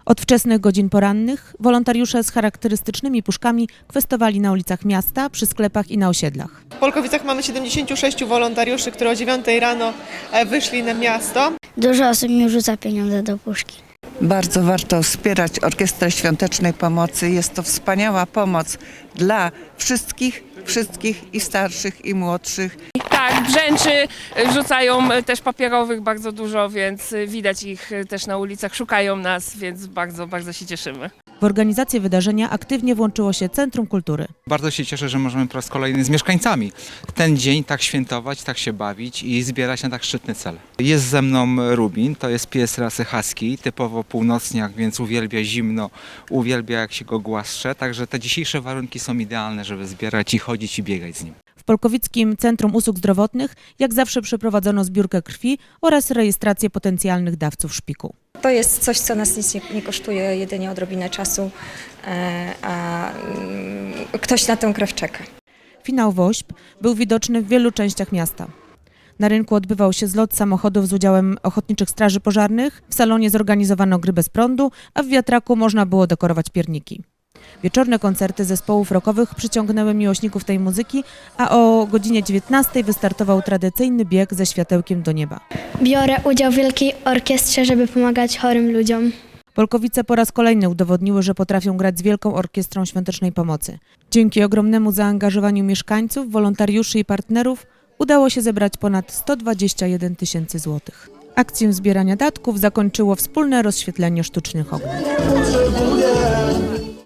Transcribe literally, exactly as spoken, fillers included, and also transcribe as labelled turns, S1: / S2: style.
S1: Od wczesnych godzin porannych wolontariusze z charakterystycznymi puszkami kwestowali na ulicach miasta, przy sklepach i na osiedlach.
S2: W Polkowicach mamy siedemdziesięciu sześciu wolontariuszy, którzy o dziewiątej rano wyszli na miasto.
S3: Dużo osób mi rzuca pieniądze do puszki.
S4: Bardzo warto wspierać Orkiestrę Świątecznej Pomocy. Jest to wspaniała pomoc dla wszystkich, wszystkich i starszych, i młodszych.
S5: Tak, brzęczy, rzucają też papierowych bardzo dużo, więc widać ich też na ulicach, szukają nas, więc bardzo, bardzo się cieszymy.
S1: W organizację wydarzenia aktywnie włączyło się Centrum Kultury.
S6: Bardzo się cieszę, że możemy po raz kolejny z mieszkańcami ten dzień tak świętować, tak się bawić i zbierać na tak szczytny cel. Jest ze mną Rubin, to jest pies rasy husky, typowo północniak, więc uwielbia zimno, uwielbia jak się go głaszcze, także te dzisiejsze warunki są idealne, żeby zbierać i chodzić i biegać z nim.
S1: W Polkowickim Centrum Usług Zdrowotnych jak zawsze przeprowadzono zbiórkę krwi oraz rejestrację potencjalnych dawców szpiku.
S7: To jest coś, co nas nic nie, nie kosztuje, jedynie odrobinę czasu, a ktoś na tę krew czeka.
S1: Finał WOŚP był widoczny w wielu częściach miasta. Na rynku odbywał się zlot samochodów z udziałem ochotniczych straży pożarnych, w salonie zorganizowano gry bez prądu, a w wiatraku można było dekorować pierniki. Wieczorne koncerty zespołów rockowych przyciągnęły miłośników tej muzyki, a o godzinie dziewiętnastej wystartował tradycyjny bieg ze światełkiem do nieba.
S3: Biorę udział w wielkiej orkiestrze, żeby pomagać chorym ludziom.
S1: Polkowice po raz kolejny udowodniły, że potrafią grać z Wielką Orkiestrą Świątecznej Pomocy. Dzięki ogromnemu zaangażowaniu mieszkańców, wolontariuszy i partnerów udało się zebrać ponad sto dwadzieścia jeden tysięcy złotych. Akcję zbierania datków zakończyło wspólne rozświetlenie sztucznych ogniw.